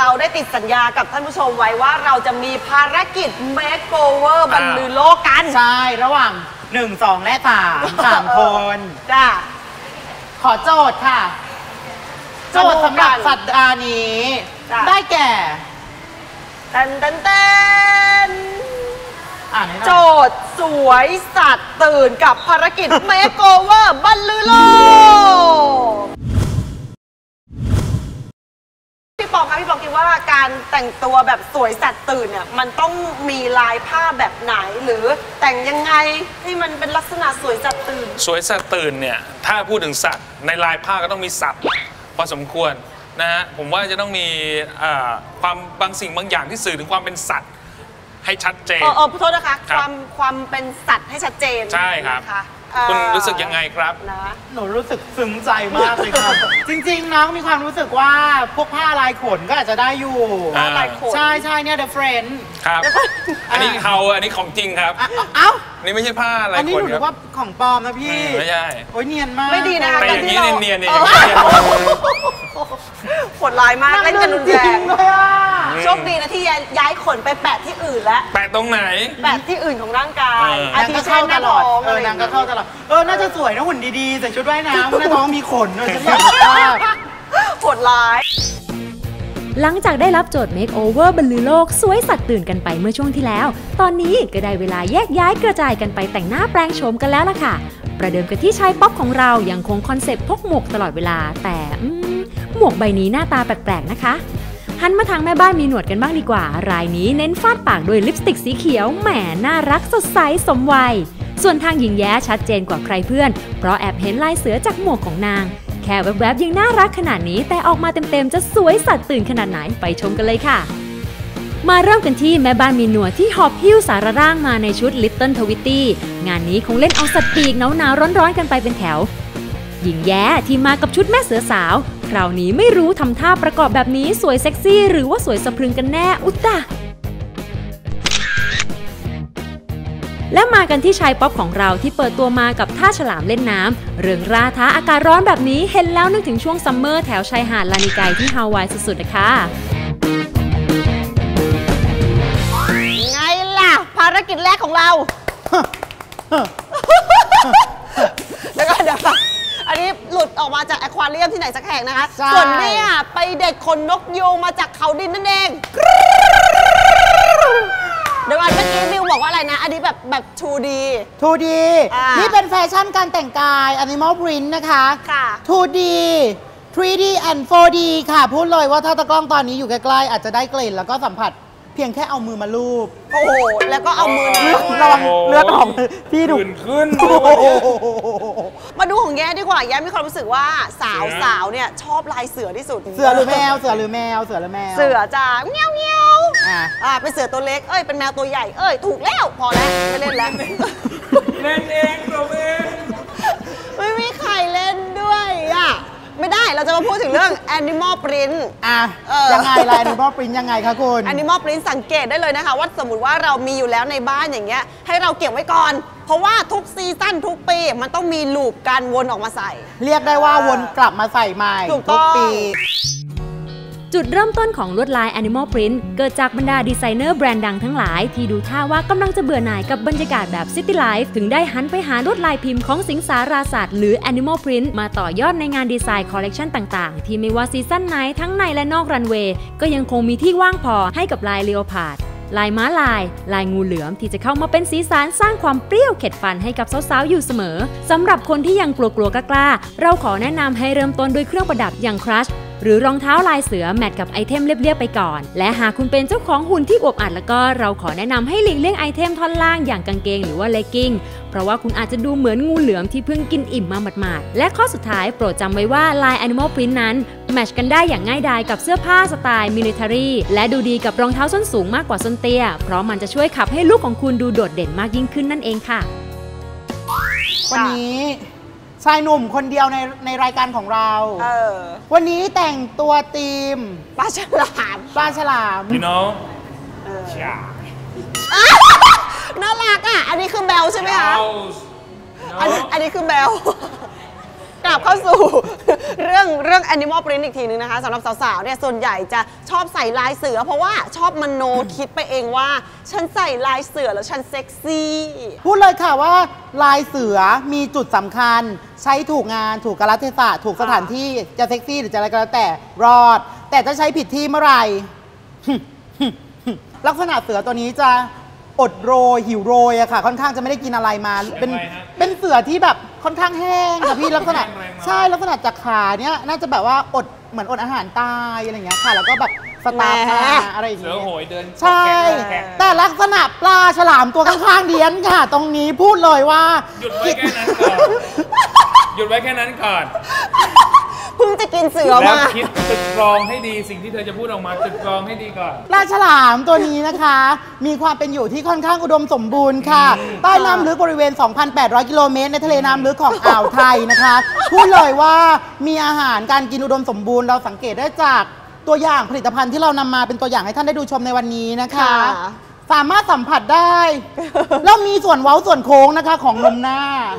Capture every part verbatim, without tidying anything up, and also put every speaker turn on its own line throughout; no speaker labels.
เราได้ติดสัญญากับท่านผู้ชมไว้ว่าเราจะมีภารกิจ Makeover บรรลือโลกกัน
ใช่ระหว่างหนึ่ง สอง และสาม สามคน
จ้า
ขอโจทย์ค่ะโจทย์สำหรับสัปดาห์นี้ได้แก่
เต้นเต้นเต้นโจทย์สวยสัตว์ตื่นกับภารกิจ Makeover บรรลือโลกพี่ปองคะพี่ปองคิดว่าการแต่งตัวแบบสวยสัตว์ตื่นเนี่ยมันต้องมีลายผ้าแบบไหนหรือแต่งยังไงให้มันเป็นลักษณะสวยสัตว์ตื่น
สวยสัตว์ตื่นเนี่ยถ้าพูดถึงสัตว์ในลายผ้าก็ต้องมีสัตว์พอสมควรนะฮะผมว่าจะต้องมีความบางสิ่งบางอย่างที่สื่อถึงความเป็นสัตว์ให้ชัดเจน
เออเออโทษนะคะความความเป็นสัตว์ให้ชัดเจน
ใช่ครับคุณรู้สึกยังไงครับ
นะหนูรู้สึกซึ้งใจมากเลยครับจริงๆน้องมีความรู้สึกว่าพวกผ้าลายขนก็อาจจะได้อยู่
ลายขน
ใช่ใช่เนี่ย The Friend
ครับอันนี้เขาอันนี้ของจริงครับ
เอ้า
นี่ไม่ใช่ผ้าลายขนอัน
นี้หนูว่าของปลอมนะพี่
ไม่ใช่
โอ้ยเนียนมาก
ไม่ดีนะคะ
แต่อย่างนี้เนียนๆเนี่ย
โหดร้ายมากเล่นกันรุนแรงโชคดีนะที่ย้ายขนไปแปะที่อื่นแล้ว
แปะตรงไหน
แปะที่อื่นของร่างกาย
นางก็เข้าตลอดเออนางก็เข้าตลอดเออน่าจะสวยนะหุ่นดีๆใส่ชุดว่ายน้ำหน้าท้องมีขนเลยฉันอยากทราบ
โหดร้าย
หลังจากได้รับโจทย์ Makeover บรรลือโลกสวยสัตว์ตื่นกันไปเมื่อช่วงที่แล้วตอนนี้ก็ได้เวลาแยกย้ายกระจายกันไปแต่งหน้าแปลงโฉมกันแล้วล่ะค่ะประเดิมกันที่ชายป๊อปของเรายังคงคอนเซ็ปต์พกหมวกตลอดเวลาแต่หมวกใบนี้หน้าตาแปลกๆนะคะหันมาทางแม่บ้านมีหนวดกันบ้างดีกว่ารายนี้เน้นฟาดปากด้วยลิปสติกสีเขียวแหมน่ารักสดใสสมวัยส่วนทางหญิงแย้ชัดเจนกว่าใครเพื่อนเพราะแอบเห็นลายเสือจากหมวกของนางแค่แวบๆยังน่ารักขนาดนี้แต่ออกมาเต็มๆจะสวยสัตว์ตื่นขนาดไหนไปชมกันเลยค่ะมาเริ่มกันที่แม่บ้านมีหนวดที่หอบหิ้วสารร่างมาในชุด Little Twitty งานนี้คงเล่นเอาสัตว์ปีกหนาวๆร้อนๆกันไปเป็นแถวหญิงแย้ที่มากับชุดแม่เสือสาวคราวนี้ไม่รู้ทำท่าประกอบแบบนี้สวยเซ็กซี่หรือว่าสวยสะพรึงกันแน่อุตตะและมากันที่ชายป๊อปของเราที่เปิดตัวมากับท่าฉลามเล่นน้ำเรื่องราท้าอากาศร้อนแบบนี้เห็นแล้วนึกถึงช่วงซัมเมอร์แถวชายหาดลานิไกที่ฮาวายสุดๆนะคะ
ไงล่ะภารกิจแรกของเราแล้วก็เดี๋ยวอันนี้หลุดออกมาจากแอควาเรียมที่ไหนสักแห่งนะคะส่วนนี้ไปเด็ดขนนกยูงมาจากเขาดินนั่นเองเดี๋ยวอันเมื่อกี้มิวบอกว่าอะไรนะอันนี้แบบแบบ ทู ดี
ทู ดี นี่เป็นแฟชั่นการแต่งกาย Animal Print นะคะ
ค่ะ
ทู ดี ทรี ดี and โฟร์ ดี ค่ะพูดเลยว่าถ้าตะกล้องตอนนี้อยู่ใกล้ๆอาจจะได้กลิ่นแล้วก็สัมผัสเพียงแค่เอามือมาลูบ
โอ้โหแล้วก็เอามือ
ระวังเลือดออกพี่ดู
ขึ้น
มาดูของแย้ดีกว่าแย้มีความรู้สึกว่าสาวสาวเนี่ยชอบลายเสือที่สุด
เสือหรือแมวเสือหรือแมวเสือหรือแมว
เสือจ้าเงี้ยวเงี้ยวอ่าเป็นเสือตัวเล็กเอ้ยเป็นแมวตัวใหญ่เอ้ยถูกแล้วพอแล้วไม่เล่นแล้ว
เล่นเองตัวเอง
ไม่มีใครเล่นด้วยอ่ะไม่ได้เราจะมาพูดถึงเรื่อง Animal Print
อ่ะยังไงล่ะ Animal Print ยังไงคะคุณ
Animal Print สังเกตได้เลยนะคะว่าสมมติว่าเรามีอยู่แล้วในบ้านอย่างเงี้ยให้เราเก็บไว้ก่อนเพราะว่าทุกซีซั่นทุกปีมันต้องมีลูปการวนออกมาใส่
เรียกได้ว่าวนกลับมาใส่ใหม่ทุกปี
จุดเริ่มต้นของลวดลาย Animal Print เกิดจากบรรดาดีไซเนอร์แบรนด์ดังทั้งหลายที่ดูท่าว่ากำลังจะเบื่อหน่ายกับบรรยากาศแบบ City Life ถึงได้หันไปหาลวดลายพิมพ์ของสิงสาราสัตว์หรือ Animal Print มาต่อยอดในงานดีไซน์คอลเลกชันต่างๆที่ไม่ว่าซีซั่นไหนทั้งในและนอกรันเวย์ก็ยังคงมีที่ว่างพอให้กับลายเลโอพาร์ดลายม้าลายลายงูเหลือมที่จะเข้ามาเป็นสีสันสร้างความเปรี้ยวเข็ดฟันให้กับสาวๆอยู่เสมอสำหรับคนที่ยังกลัวๆกล้าๆเราขอแนะนำให้เริ่มต้นด้วยเครื่องประดับอย่างครัชหรือรองเท้าลายเสือแมทกับไอเทมเรียบๆไปก่อนและหากคุณเป็นเจ้าของหุ่นที่อวบอัดแล้วก็เราขอแนะนำให้หลีกเลี่ยงไอเทมท่อนล่างอย่างกางเกงหรือว่าเลกกิ้งเพราะว่าคุณอาจจะดูเหมือนงูเหลือมที่เพิ่งกินอิ่มมาหมาดๆและข้อสุดท้ายโปรดจำไว้ว่าลาย Animal Print นั้นแมทช์กันได้อย่างง่ายดายกับเสื้อผ้าสไตล์มิลิเทอรี่และดูดีกับรองเท้าส้นสูงมากกว่าส้นเตี้ยเพราะมันจะช่วยขับให้ลุคของคุณดูโดดเด่นมากยิ่งขึ้นนั่นเองค่ะ
วันนี้ชายหนุ่มคนเดียวในในรายการของเรา
เออ
วันนี้แต่งตัวธีม
ปลาฉลาม
ปลาฉลาม
you know
น่ารักอ่ะอันนี้คือแบลใช่ไหมคะอันนี้คือแบลกลับเข้าสู่เรื่องเรื่อง Animal Print อีกทีนึงนะคะสำหรับสาวๆเนี่ยส่วนใหญ่จะชอบใส่ลายเสือเพราะว่าชอบมโนคิดไปเองว่าฉันใส่ลายเสือแล้วฉันเซ็กซี่
พูดเลยค่ะว่าลายเสือมีจุดสำคัญใช้ถูกงานถูกกาลเทศะถูกสถานที่จะเซ็กซี่หรือจะอะไรก็แล้วแต่รอด แต่ถ้าใช้ผิดที่เมื่อไหร่ ลักษณะเสือตัวนี้จะอดโรยหิวโรยอะค่ะค่อนข้างจะไม่ได้กินอะไรมาเป็นเป็นเสือที่แบบค่อนข้างแห้งค่ะพี่ลักษณะใช่ลักษณะจากขาเนี้ยน่าจะแบบว่าอดเหมือนอดอาหารตายอะไรอย่างเงี้ยค่ะแล้วก็แบบสตาร์ฟมาอะไรอย่าง
เสื
เงี้
อย โหยเดิน
ใช่ แต่ลักษณะปลาฉลามตัวข้างๆเดียนค่ะ ตรงนี้พูดเลยว่า
หยุดไว้แค่นั้นก่อนหยุดไว้แค่นั้นก่อน
เพิ่งจะกินเสือ
แล้ว
มา
คิดตึกตรองให้ดีสิ่งที่เธอจะพูดออกมาตึกตรองให้ดีก่อน
ปลาฉลามตัวนี้นะคะ มีความเป็นอยู่ที่ค่อนข้างอุดมสมบูรณ์ค่ะใต้น้ำลึกบริเวณ สองพันแปดร้อย กิโลเมตรในทะเลน้ำลึกของอ่าวไทยนะคะ พูดเลยว่ามีอาหารการกินอุดมสมบูรณ์เราสังเกตได้จากตัวอย่างผลิตภัณฑ์ที่เรานำมาเป็นตัวอย่างให้ท่านได้ดูชมในวันนี้นะคะ สามารถสัมผัสได้ แล้วมีส่วนเว้าส่วนโค้งนะคะของนมหน้าน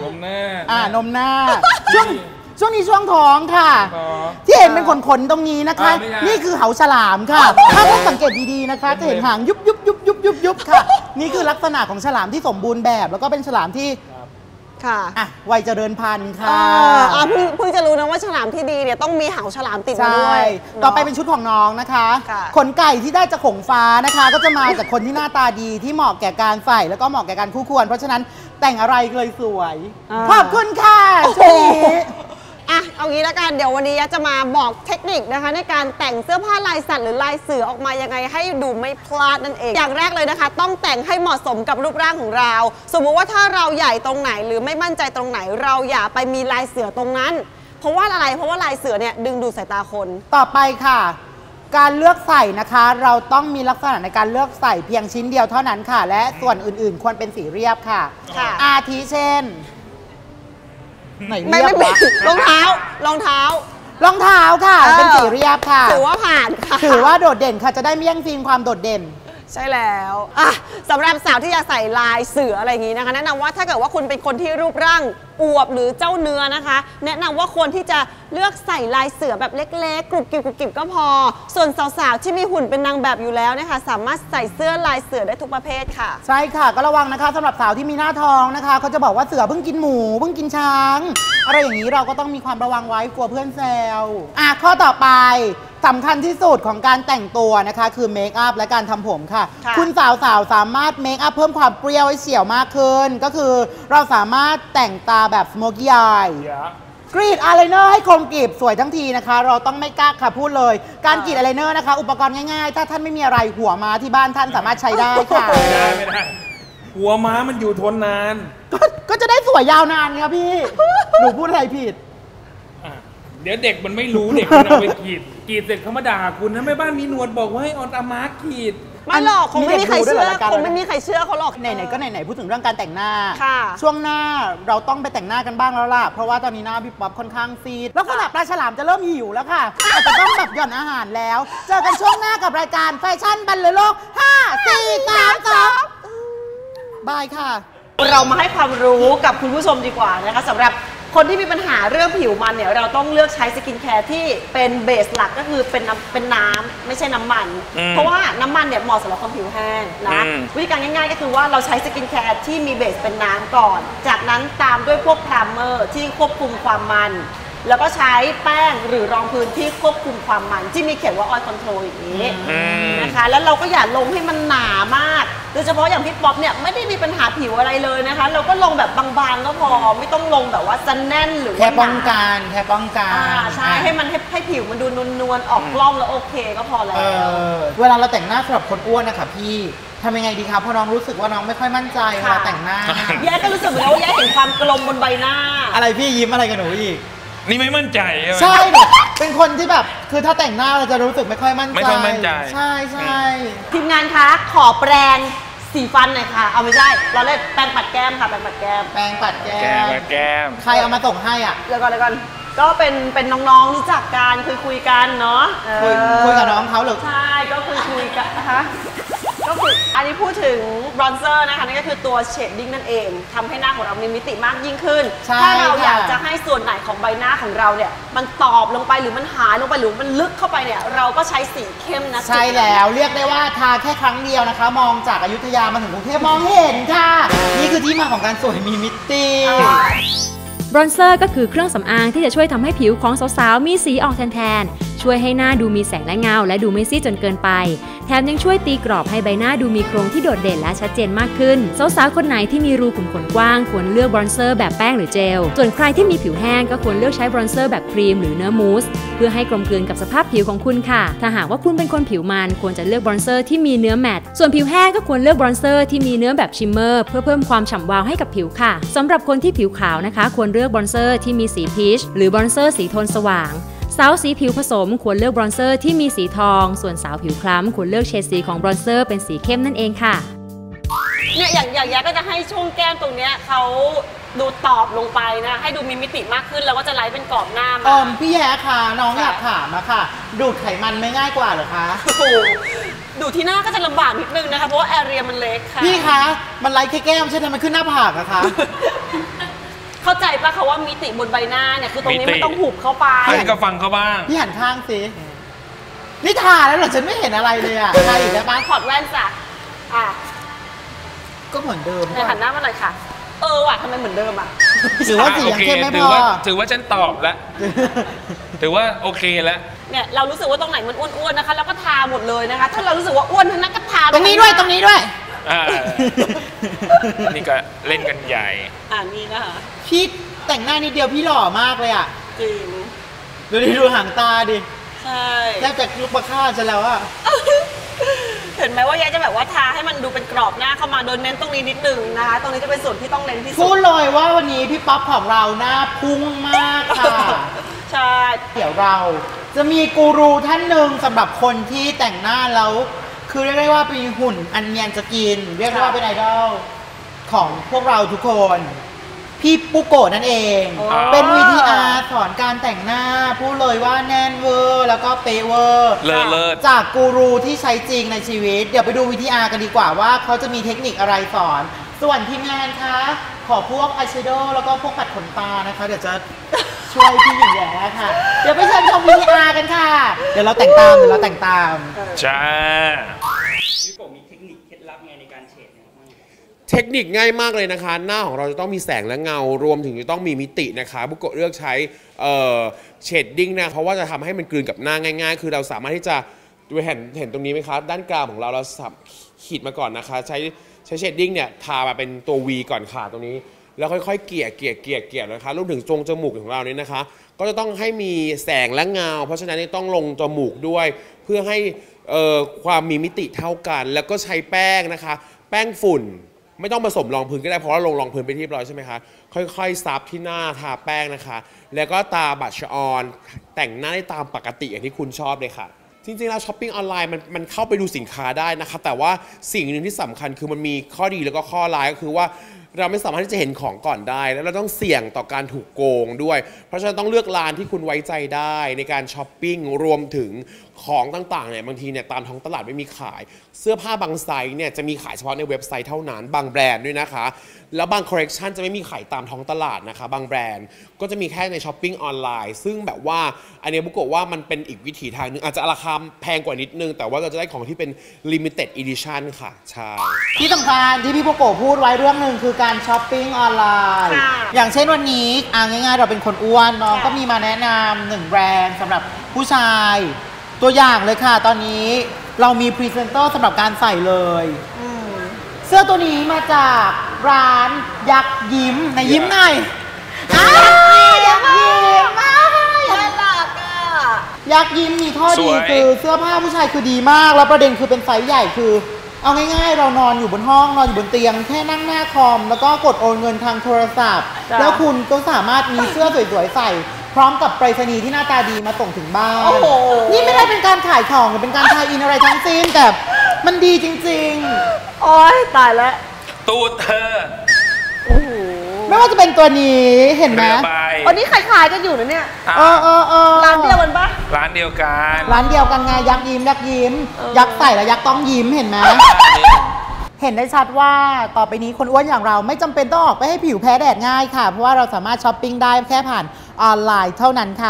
มหน้า
อ่านมหน้าช่วงช่วงนี้ช่วงท้องค่ะ
ท้อง
ที่เห็นเป็นขนๆตรงนี้นะคะ
อ่าไม่ใช่
นี่คือเหาฉลามค่ะ ถ้าท่านสังเกตดีๆนะคะ จะเห็นหางยุบยุบยุบยุบยุบยุบค่ะ นี่คือลักษณะของฉลามที่สมบูรณ์แบบ แล้วก็เป็นฉลามที่
ค่ะ
อ่ะวัยเจริญพันธุ์
เอ
ค่ะ
ออ่ะเพิ่งเพิ่งจะรู้นะว่าฉลามที่ดีเนี่ยต้องมีเหาฉลามติดมา
ใช่
ด้วย
ต่อไป
เนาะ
เป็นชุดของน้องนะคะ
ค่ะ
ขนไก่ที่ได้จากขงฟ้านะคะ ก็จะมาจากคนที่หน้าตาดีที่เหมาะแก่การใส่แล้วก็เหมาะแก่การคู่ควร เพราะฉะนั้นแต่งอะไรเลยสวยขอบคุณค่ะช่วงนี้
อ่ะเอางี้ละกันเดี๋ยววันนี้จะมาบอกเทคนิคนะคะในการแต่งเสื้อผ้าลายสัตว์หรือลายเสือออกมายังไงให้ดูไม่พลาดนั่นเอง อย่างแรกเลยนะคะ ต้องแต่งให้เหมาะสมกับรูปร่างของเรา สมมุติว่าถ้าเราใหญ่ตรงไหนหรือไม่มั่นใจตรงไหน เราอย่าไปมีลายเสือตรงนั้น เพราะว่าอะไรเพราะว่าลายเสือเนี่ยดึงดูดสายตาคน
ต่อไปค่ะ การเลือกใส่นะคะ เราต้องมีลักษณะในการเลือกใส่เพียงชิ้นเดียวเท่านั้นค่ะ และส่วนอื่นๆ ควรเป็นสีเรียบค่ะ
ค่ะ
อาทิเช่นไหน
ไม่
เรียบ
ไม่
วะ
รองเท้ารองเท้า
รองเท้าค่ะ
เออ
เป็นสีเรียบค่ะ
ถือว่าผ่านค่ะ
ถือว่าโดดเด่นค่ะจะได้ไม่แย่งซีนความโดดเด่น
ใช่แล้วอ่ะสำหรับสาวที่จะใส่ลายเสืออะไรอย่างนี้นะคะ แนะนำว่าถ้าเกิดว่าคุณเป็นคนที่รูปร่างอวบหรือเจ้าเนื้อนะคะ แนะนำว่าควรที่จะเลือกใส่ลายเสือแบบเล็กๆกรุบกริบกรุบกริบก็พอ ส่วนสาวๆที่มีหุ่นเป็นนางแบบอยู่แล้วนะคะสามารถใส่เสื้อลายเสือได้ทุกประเภทค่ะ
ใช่ค่ะก็ระวังนะคะสำหรับสาวที่มีหน้าท้องนะคะเขาจะบอกว่าเสือเพิ่งกินหมูเพิ่งกินช้างอะไรอย่างนี้เราก็ต้องมีความระวังไว้กลัวเพื่อนแซวอ่ะข้อต่อไปสำคัญที่สุดของการแต่งตัวนะคะคือเมคอัพและการทำผมค่ะ
ค่ะ
คุณสาวๆสามารถเมคอัพเพิ่มความเปรี้ยวให้เฉียวมากขึ้น ก็คือเราสามารถแต่งตาแบบสโมกี้อายกรีดอายไลเนอร์ให้คมกริบสวยทั้งทีนะคะ เราต้องไม่กักค่ะพูดเลย การกรีดอายไลเนอร์นะคะ อุปกรณ์ง่ายๆ ถ้าท่านไม่มีอะไรหัวม้าที่บ้านท่านสามารถใช้ได้ค่ะ
ไม่ได้ไม่ได้หัวม้ามันอยู่ทนนาน
ก็ก็จะได้สวยยาวนานครับพี่ หนูพูดอะไรผิด
อ่ะเดี๋ยวเด็กมันไม่รู้เด็กมันเอาไปกรีดกรีดเสร็จเขามาด่าคุณนะแม่บ้านมีหนวดบอกว่าให้เออนตาม้ากรีด
ไม่หรอกคงไม่มีใครเชื่อ
มีเด็กดูด้วยเหรอรายการ
คงไม่มีใครเชื่อเขาหรอก
ไหนๆก็ไหนๆพูดถึงเรื่องการแต่งหน้า
ค่ะ
ช่วงหน้าเราต้องไปแต่งหน้ากันบ้างแล้วล่ะ เพราะว่าตอนนี้หน้าพี่ป๊อปค่อนข้างซีดลักษณะปลาฉลามจะเริ่มหิวแล้วค่ะอาจจะต้องแบบหย่อนอาหารแล้ว เจอกันช่วงหน้ากับรายการแฟชั่นบรรลือโลกห้า สี่ สาม สองบายค่ะ
เรามาให้ความรู้กับคุณผู้ชมดีกว่านะคะสำหรับคนที่มีปัญหาเรื่องผิวมันเนี่ยเราต้องเลือกใช้สกินแคร์ที่เป็นเบสหลักก็คือเป็นน้ำเป็นน้ำไม่ใช่น้ำมัน
อืม
เพราะว่าน้ำมันเนี่ยเหมาะสำหรับคนผิวแห้งนะ
อืม
วิธีการง่ายๆก็คือว่าเราใช้สกินแคร์ที่มีเบสเป็นน้ำก่อน จากนั้นตามด้วยพวกพรามเมอร์ที่ควบคุมความมัน แล้วก็ใช้แป้งหรือรองพื้นที่ควบคุมความมันที่มีเขียนว่า oil control อย่างนี้
อืม
นะคะแล้วเราก็อย่าลงให้มันหนามากโดยเฉพาะอย่างพี่ป๊อปเนี่ยไม่ได้มีปัญหาผิวอะไรเลยนะคะ เราก็ลงแบบบางๆก็พอไม่ต้องลงแบบว่าจะแน่นหรือว่า
แค่ป้อง
หนา
กันแค่ป้องกัน
อ่าใช่ให้มันให้ให้ผิวมันดูนวลๆออกกล้องแล้วโอเคก็พอแล้ว
เออเวลาเราแต่งหน้าสำหรับคนอ้วนนะคะพี่ทำยังไงดีคะเพราะน้องรู้สึกว่าน้องไม่ค่อยมั่นใจเวลาแต่งหน้า
แย่ก็รู้สึกเหมือนกันว่าแย่เห็นความกลมบนใบหน้า
อะไรพี่ยิ้มอะไรกับหนูอีก
นี่ไม่มั่นใจใช่ไหม
ใช่แบบเป็นคนที่แบบคือถ้าแต่งหน้าเราจะรู้สึกไม่ค่อยมั่นใจ
ไม่ค่อยมั่นใจ
ใช่ใช่
ทีมงานคะขอแปรงสีฟันหน่อยค่ะเอาไม่ใช่เราเล่นแปรงปัดแก้มค่ะแปรงปัดแก้ม
แปรงปัดแก้
แก้ม
ม
แก้ม
ใครเอามาส่งให้อ่ะ
เดี๋ยวก่อนเดี๋ยวก่อนก็เป็นเป็นน้องๆรู้จักกันคุยคุยกันเนาะเออ
คุยคุยกับน้องเขาหรือ
ใช่ก็คุยคุยกันนะคะก็คืออันนี้พูดถึงบรอนเซอร์นะคะนั่นก็คือตัวเชดดิ้งนั่นเองทำให้หน้าของเรามีมิติมากยิ่งขึ้นถ้าเราอยากจะให้ส่วนไหนของใบหน้าของเราเนี่ยมันตอบลงไปหรือมันหายลงไปหรือมันลึกเข้าไปเนี่ยเราก็ใช้สีเข้มนะ
ใช่แล้วเรียกได้ว่าทาแค่ครั้งเดียวนะคะมองจากอยุธยามาถึงกรุงเทพมองเห็นค่ะนี่คือที่มาของการสวยมีมิติ
บรอนเซอร์ก็คือเครื่องสำอางที่จะช่วยทำให้ผิวของสาวๆมีสีออกแทนๆช่วยให้หน้าดูมีแสงและเงาและดูไม่ซีดจนเกินไปแถมยังช่วยตีกรอบให้ใบหน้าดูมีโครงที่โดดเด่นและชัดเจนมากขึ้นสาวๆคนไหนที่มีรูขุมขนกว้างควรเลือกบรอนเซอร์แบบแป้งหรือเจลส่วนใครที่มีผิวแห้งก็ควรเลือกใช้บรอนเซอร์แบบครีมหรือเนื้อมูสเพื่อให้กลมกลืนกับสภาพผิวของคุณค่ะถ้าหากว่าคุณเป็นคนผิวมันควรจะเลือกบรอนเซอร์ที่มีเนื้อแมตต์ส่วนผิวแห้งก็ควรเลือกบรอนเซอร์ที่มีเนื้อแบบชิมเมอร์เพื่อเพิ่มความฉ่ำวาวให้กับผิวค่ะสำหรับคนที่ผิวขาวนะคะควรเลือกบรอนเซอร์ที่มีสีพีชหรือบรอนเซอร์สีโทนสว่างสาวสีผิวผสมควรเลือกบรอนเซอร์ที่มีสีทองส่วนสาวผิวคล้ำควรเลือกเฉดสีของบรอนเซอร์เป็นสีเข้มนั่นเองค่ะ
เนี่ยอย่างอย่างแย้ก็จะให้ช่วงแก้มตรงเนี้ยเขาดูตอบลงไปนะให้ดูมีมิติมากขึ้นแล้วก็จะไล่เป็นกรอบหน้ามา
เออพี่แย้ค่ะน้องอยากถามอะค่ะดูดไขมันไม่ง่ายกว่าเหรอคะ
โอ้โหดูที่หน้าก็จะลำบากนิดนึงนะคะเพราะว่าแอเรียมันเล็กค่ะ
พี่คะมันไล่แค่แก้มใช่ไหมมันขึ้นหน้าผากอะคะ
เข้าใจปะเขาว่ามิติบนใบหน้าเนี่ยคือตรงนี้มันต้องหุบเข้าไป
อันนี้ก็ฟังเขาบ้าง
พี่หันข้างสินี่ทาแล้วเหรอฉันไม่เห็นอะไรเลยอะทาอีกแล้วปะ
ถอดแว่นจ้ะอ่ะ
ก็เหมือนเดิม
หันหน้ามาเลยค่ะเออว่ะทำไมเหมือนเดิมอ่ะ
ถือว่าสียังเข้มไม่พอ
ถือว่าฉันตอบแล้วถือว่าโอเคแล้ว
เนี่ยเรารู้สึกว่าตรงไหนมันอ้วนๆนะคะแล้วก็ทาหมดเลยนะคะถ้าเรารู้สึกว่าอ้วนทั้งนั้นก็ทา
ตรงนี้ด้วยตรงนี้ด้วย
นี่ก็เล่นกันใหญ่
อ่านี่นะคะ
พี่แต่งหน้านิดเดียวพี่หล่อมากเลยอ่ะ
จริง
ดูดิดูหางตาดิ
ใช่
แทบจะลุกมาฆ่าฉันแล้วอ่ะ
เห็นไหมว่าแย้จะแบบว่าทาให้มันดูเป็นกรอบหน้าเข้ามาโดยเน้นตรงนี้นิดนึงนะคะตรงนี้จะเป็นส่วนที่ต้องเน้นที่สุด
พูดเลยว่าวันนี้พี่ป๊อปของเราหน้าพุ่งมากค่ะ
ใช่
เดี๋ยวเราจะมีกูรูท่านหนึ่งสำหรับคนที่แต่งหน้าแล้วคือเรียกได้ว่าเป็นหุ่นอันเนียนจะกินเรียกว่าเป็นไอดอลของพวกเราทุกคนพี่ปุโกะนั่นเองเป็น วี ที อาร์ สอนการแต่งหน้าพูดเลยว่าแน่นเวอร์แล้วก็เป๊ะเวอร์จากกูรูที่ใช้จริงในชีวิตเดี๋ยวไปดู วี ที อาร์ กันดีกว่าว่าเขาจะมีเทคนิคอะไรสอนส่วนทีมงานคะขอพวกอายแชโดว์แล้วก็พวกปัดขนตานะคะเดี๋ยวจะช่วยพี่หญิงแย้ค่ะเดี๋ยวไปเชิญชม วี ที อาร์ กันค่ะเดี๋ยวเราแต่งตามเดี๋ยวเราแต่งตาม
จ้า
พี่โกมีเทคนิคเคล็ดลับไงในการเฉด
เทคนิคง่ายมากเลยนะคะหน้าของเราจะต้องมีแสงและเงารวมถึงจะต้องมีมิตินะคะบุโกะเลือกใช้เชดดิ้งนะเพราะว่าจะทำให้มันกลืนกับหน้าง่ายๆคือเราสามารถที่จะเห็นเห็นตรงนี้ไหมคะด้านกลางของเราเราขีดมาก่อนนะคะใช้ใช้เชดดิ้งเนี่ยทามาเป็นตัว V ก่อนค่ะตรงนี้แล้วค่อยๆเกลี่ยเกลี่ยเกลี่ยเกลี่ยนะคะรวมถึงตรงจมูกของเราเนี่ยนะคะก็จะต้องให้มีแสงและเงาเพราะฉะนั้นต้องลงจมูกด้วยเพื่อให้ความมีมิติเท่ากันแล้วก็ใช้แป้งนะคะแป้งฝุ่นไม่ต้องผสมรองพื้นก็ได้เพราะว่าลงรองพื้นไปที่เรียบร้อยใช่ไหมคะค่อยๆซับที่หน้าทาแป้งนะคะแล้วก็ตาบัชออนแต่งหน้าได้ตามปกติอย่างที่คุณชอบเลยค่ะจริงๆแล้วช้อปปิ้งออนไลน์มันมันเข้าไปดูสินค้าได้นะคะแต่ว่าสิ่งหนึ่งที่สำคัญคือมันมีข้อดีแล้วก็ข้อร้ายก็คือว่าเราไม่สามารถที่จะเห็นของก่อนได้แล้วเราต้องเสี่ยงต่อการถูกโกงด้วยเพราะฉะนั้นต้องเลือกร้านที่คุณไว้ใจได้ในการช้อปปิ้งรวมถึงของต่างๆเนี่ยบางทีเนี่ยตามท้องตลาดไม่มีขายเสื้อผ้าบางไซส์เนี่ยจะมีขายเฉพาะในเว็บไซต์เท่านั้นบางแบรนด์ด้วยนะคะแล้วบางคอลเลคชันจะไม่มีขายตามท้องตลาดนะคะบางแบรนด์ก็จะมีแค่ในช้อปปิ้งออนไลน์ซึ่งแบบว่าอันนี้บุโกะว่ามันเป็นอีกวิถีทางนึงอาจจะราคาแพงกว่านิดนึงแต่ว่าเราจะได้ของที่เป็น limited edition ค่ะใช่
ที่สำคัญที่พี่บุโกะพูดไว้เรื่องหนึ่งคือการช้อปปิ้งออนไลน์อย่างเช่นวันนี้อ่าง่ายๆเราเป็นคนอ้วนน้องก็มีมาแนะนำหนึ่งแบรนด์สำหรับผู้ชายตัวอย่างเลยค่ะตอนนี้เรามีพรีเซนเตอร์สำหรับการใส่เลยเสื้อตัวนี้มาจากร้านยักษ์ยิ้มในยิ้มหน่อยยักษ์ยิ้มน่ารักอ่ะยักษ์ยิ้มมีข้อดีคือเสื้อผ้าผู้ชายคือดีมากแล้วประเด็นคือเป็นไซส์ใหญ่คือเอาง่ายๆเรานอนอยู่บนห้องนอนอยู่บนเตียงแค่นั่งหน้าคอมแล้วก็กดโอนเงินทางโทรศัพท์แล้วคุณก็สามารถมีเสื้อสวยๆใส่พร้อมกับไปรษณีย์ที่หน้าตาดีมาส่งถึงบ้านนี่ไม่ได้เป็นการขายของหรือเป็นการทายอินอะไรทั้งสิ้นแต่มันดีจริง
ๆโอ๊ยตายแล้ว
ตูดเธอ
โอ้โห
ไม่ว่าจะเป็นตัวนี้เห็นไหม
วันนี้ขายๆกันอยู่นะเนี่ย
เออเออเออ
ร้านเดียวกันปะ
ร้านเดียวดียวกัน
ร้านเดียวกันไงยักษ์ยิ้มยักษ์ยิ้ม ยักษ์ใส่แล้วยักษ์ต้องยิ้มเห็นไหมเห็นได้ชัดว่าต่อไปนี้คนอ้วนอย่างเราไม่จำเป็นต้องออกไปให้ผิวแพ้แดดง่ายค่ะเพราะว่าเราสามารถช้อปปิ้งได้แค่ผ่านออนไลน์เท่านั้นค่ะ